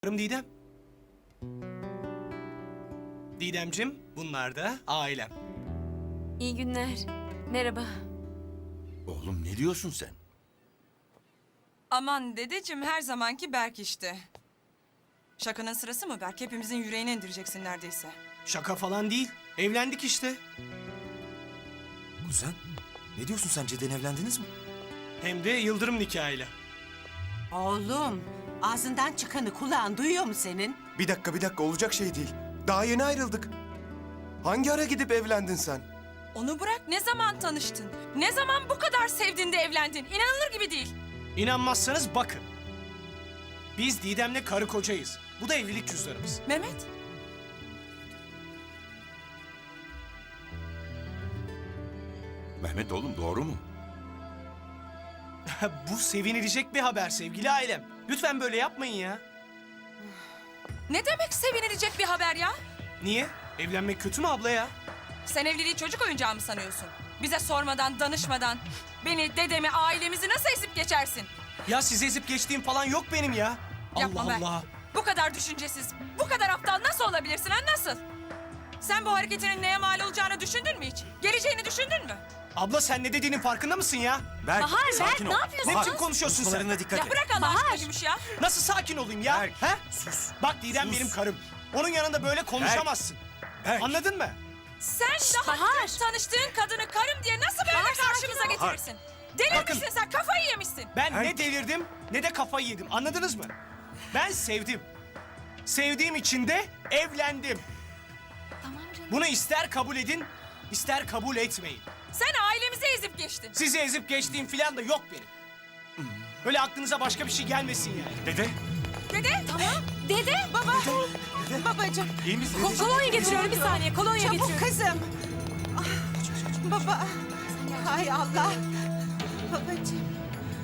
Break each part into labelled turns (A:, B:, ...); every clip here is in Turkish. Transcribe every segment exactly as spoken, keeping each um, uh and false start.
A: Didem. Didemcim, bunlar da ailem.
B: İyi günler. Merhaba.
C: Oğlum ne diyorsun sen?
D: Aman dedeciğim, her zamanki Berk işte. Şakanın sırası mı Berk? Hepimizin yüreğine indireceksin neredeyse.
A: Şaka falan değil. Evlendik işte.
C: Kuzen, ne diyorsun sen? Cidden evlendiniz mi?
A: Hem de yıldırım nikahıyla.
E: Oğlum, ağzından çıkanı kulağın duyuyor mu senin?
F: Bir dakika bir dakika olacak şey değil. Daha yeni ayrıldık. Hangi ara gidip evlendin sen?
D: Onu bırak, ne zaman tanıştın? Ne zaman bu kadar sevdin de evlendin? İnanılır gibi değil.
A: İnanmazsanız bakın. Biz Didem'le karı kocayız. Bu da evlilik cüzdanımız.
D: Mehmet,
C: Mehmet oğlum doğru mu?
A: Bu sevinilecek bir haber sevgili ailem. Lütfen böyle yapmayın ya.
D: ne demek sevinilecek bir haber ya?
A: Niye? Evlenmek kötü mü abla ya?
D: Sen evliliği çocuk oyuncağı mı sanıyorsun? Bize sormadan, danışmadan beni, dedemi, ailemizi nasıl ezip geçersin?
A: Ya sizi ezip geçtiğim falan yok benim ya.
D: Yapma
A: Allah
D: Berk.
A: Allah.
D: Bu kadar düşüncesiz, bu kadar aptal nasıl olabilirsin ha, nasıl? Sen bu hareketinin neye mal olacağını düşündün mü hiç? Geleceğini düşündün mü?
A: Abla sen ne dediğinin farkında mısın ya?
C: Berk,
B: Bahar,
C: sakin
B: Berk,
C: ol.
B: ne yapıyorsun?
A: Ne
C: Bahar,
A: biçim konuşuyorsun sen?
C: konuşmalarına dikkat
D: Ya
C: et.
D: bırak Allah aşkına Gümüş ya.
A: Nasıl sakin olayım ya?
C: Berk,
A: He?
C: sus.
A: Bak Didem
C: Sus.
A: benim karım. Onun yanında böyle konuşamazsın.
C: Berk.
A: Anladın mı?
D: Sen daha
B: Bahar.
D: dün tanıştığın kadını karım diye nasıl böyle
B: Bahar,
D: karşımıza
B: sakin ol.
D: getirirsin? Delirmişsin sen, kafayı yemişsin.
A: Ben ne
C: Berk.
A: delirdim ne de kafayı yedim. Anladınız mı? Ben sevdim. Sevdiğim için de evlendim.
B: Tamam canım.
A: Bunu ister kabul edin, ister kabul etmeyin.
D: Sen ailemizi ezip geçtin.
A: Sizi ezip geçtiğim falan da yok benim. Böyle aklınıza başka bir şey gelmesin yani.
C: Dede,
D: Dede.
B: Tamam. Dede.
E: Baba, babacığım,
C: iyi misin?
B: Ko- kolonya getiriyorum bir saniye. Kolonya
E: çabuk
B: getiriyorum.
E: kızım. Ah, baba, hay Allah. Babacığım.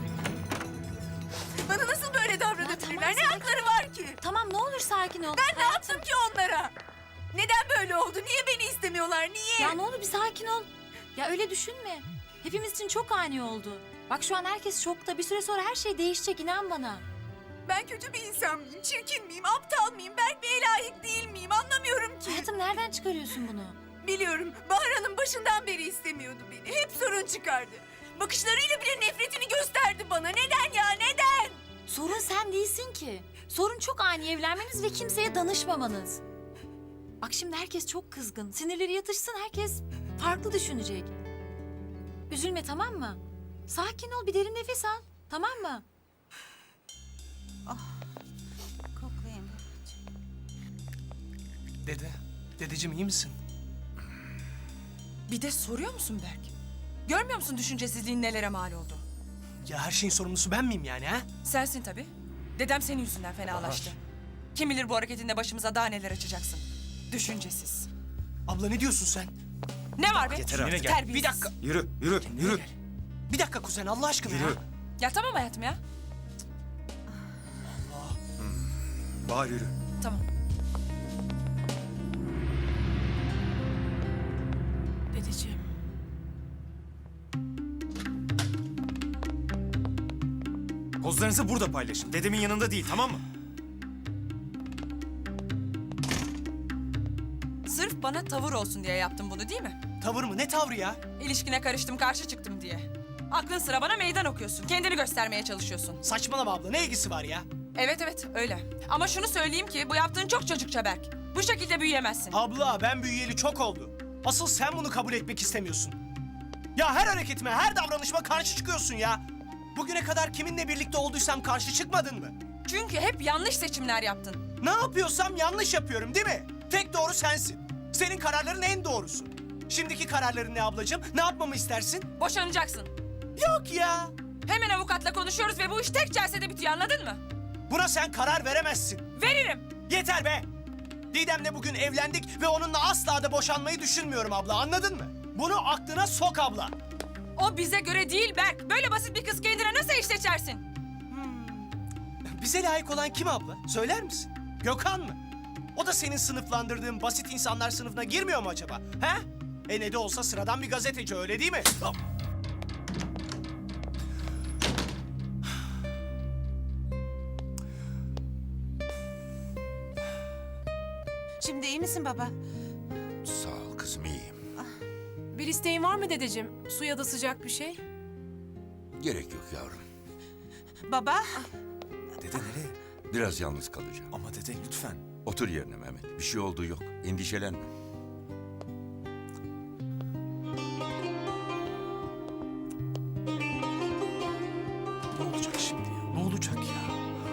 G: Bana nasıl böyle davranabilirler? Ne hakları var ki?
B: Tamam ne olur sakin ol.
G: Ben ne yaptım ki onlara? Neden böyle oldu? Niye beni istemiyorlar? Niye?
B: Ya ne olur bir sakin ol. Ya öyle düşünme. Hepimiz için çok ani oldu. Bak şu an herkes şokta. Bir süre sonra her şey değişecek, inan bana.
G: Ben kötü bir insan mıyım? Çirkin miyim? Aptal mıyım? Berk Bey'e layık değil miyim? Anlamıyorum ki.
B: Hayatım nereden çıkarıyorsun bunu?
G: Biliyorum. Bahar Hanım başından beri istemiyordu beni. Hep sorun çıkardı. Bakışlarıyla bile nefretini gösterdi bana. Neden ya? Neden?
B: Sorun sen değilsin ki. Sorun çok ani evlenmeniz ve kimseye danışmamanız. Bak şimdi herkes çok kızgın. Sinirleri yatışsın, herkes farklı düşünecek. Üzülme, tamam mı? Sakin ol, bir derin nefes al. Tamam mı?
E: Koklayayım.
A: Dede, dedeciğim iyi misin?
D: Bir de soruyor musun Berk? Görmüyor musun düşüncesizliğin nelere mal oldu?
A: Ya her şeyin sorumlusu ben miyim yani ha?
D: Sensin tabii. Dedem senin yüzünden fenalaştı. Kim bilir bu hareketinde başımıza daha neler açacaksın. Düşüncesiz.
A: Abla ne diyorsun sen?
D: Ne var be?
C: Yeter artık.
D: Terbiyesiz.
A: Bir dakika.
C: Yürü, yürü, yürü.
A: Bir dakika kuzen Allah aşkına ya.
C: Yürü.
D: Ya tamam hayatım ya.
C: Bahar yürü.
D: Tamam.
G: Dedeciğim.
C: Pozlarınızı burada paylaşın. Dedemin yanında değil, tamam mı?
D: Sırf bana tavır olsun diye yaptım bunu değil mi?
A: Tavır mı? Ne tavrı ya?
D: İlişkine karıştım, karşı çıktım diye. Aklın sıra bana meydan okuyorsun. Kendini göstermeye çalışıyorsun.
A: Saçmalama abla ne ilgisi var ya?
D: Evet evet öyle. Ama şunu söyleyeyim ki bu yaptığın çok çocukça Berk. Bu şekilde büyüyemezsin.
A: Abla ben büyüyeli çok oldu. Asıl sen bunu kabul etmek istemiyorsun. Ya her hareketime, her davranışıma karşı çıkıyorsun ya. Bugüne kadar kiminle birlikte olduysam karşı çıkmadın mı?
D: Çünkü hep yanlış seçimler yaptın.
A: Ne yapıyorsam yanlış yapıyorum değil mi? Tek doğru sensin. Senin kararların en doğrusu. Şimdiki kararların ne ablacığım? Ne yapmamı istersin?
D: Boşanacaksın.
A: Yok ya.
D: Hemen avukatla konuşuyoruz ve bu iş tek celsede bitiyor, anladın mı?
A: Buna sen karar veremezsin.
D: Veririm.
A: Yeter be. Didem'le bugün evlendik ve onunla asla da boşanmayı düşünmüyorum abla, anladın mı? Bunu aklına sok abla.
D: O bize göre değil Berk. Böyle basit bir kız kendine nasıl iş seçersin?
A: Bize layık olan kim abla? Söyler misin? Gökhan mı? O da senin sınıflandırdığın basit insanlar sınıfına girmiyor mu acaba? He? E ne de olsa sıradan bir gazeteci, öyle değil mi?
E: Şimdi iyi misin baba?
H: Sağ ol kızım, iyiyim.
I: Bir isteğin var mı dedeciğim? Su ya da sıcak bir şey?
H: Gerek yok yavrum.
E: Baba,
C: Dede nereye?
H: Biraz yalnız kalacağım.
C: Ama dede lütfen.
H: Otur yerine Mehmet. Bir şey olduğu yok. Endişelenme.
A: Ne olacak şimdi ya? Ne olacak ya?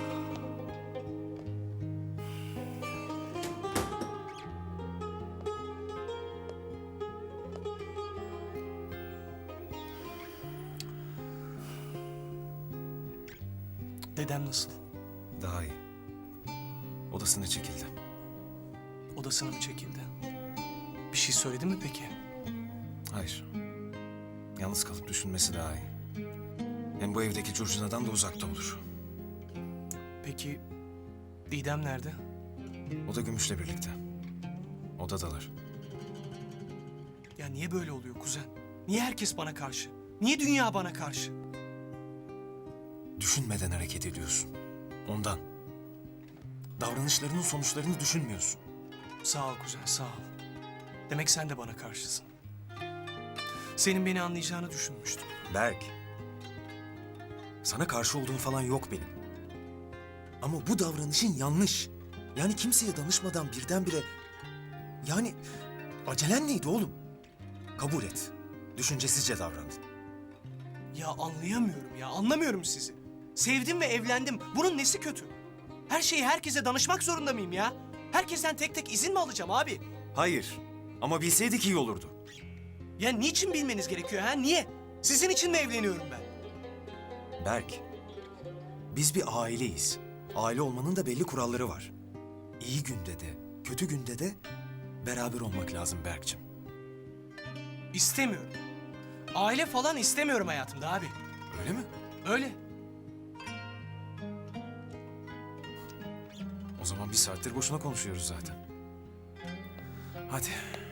A: Dedem nasıl?
C: Daha iyi. Odasına çekildi.
A: Odasına mı çekildi? Bir şey söyledi mi peki?
C: Hayır. Yalnız kalıp düşünmesi daha iyi. Hem bu evdeki curcunadan da uzakta olur.
A: Peki Didem nerede?
C: O da Gümüş'le birlikte. Odadalar.
A: Ya niye böyle oluyor kuzen? Niye herkes bana karşı? Niye dünya bana karşı?
C: Düşünmeden hareket ediyorsun. Ondan. Davranışlarının sonuçlarını düşünmüyorsun.
A: Sağ ol kuzen, sağ ol. Demek sen de bana karşısın. Senin beni anlayacağını düşünmüştüm.
C: Berk. Sana karşı olduğum falan yok benim. Ama bu davranışın yanlış. Yani kimseye danışmadan birdenbire... Yani acelen neydi oğlum? Kabul et. Düşüncesizce davrandın.
A: Ya anlayamıyorum ya, anlamıyorum sizi. Sevdim ve evlendim. Bunun nesi kötü? Her şeyi herkese danışmak zorunda mıyım ya? Herkesten tek tek izin mi alacağım abi?
C: Hayır. Ama bilseydik iyi olurdu.
A: Ya niçin bilmeniz gerekiyor ha? Niye? Sizin için mi evleniyorum ben?
C: Berk. Biz bir aileyiz. Aile olmanın da belli kuralları var. İyi günde de, kötü günde de beraber olmak lazım Berk'cim.
A: İstemiyorum. Aile falan istemiyorum hayatımda abi.
C: Öyle mi?
A: Öyle.
C: O zaman bir saattir boşuna konuşuyoruz zaten. Hadi.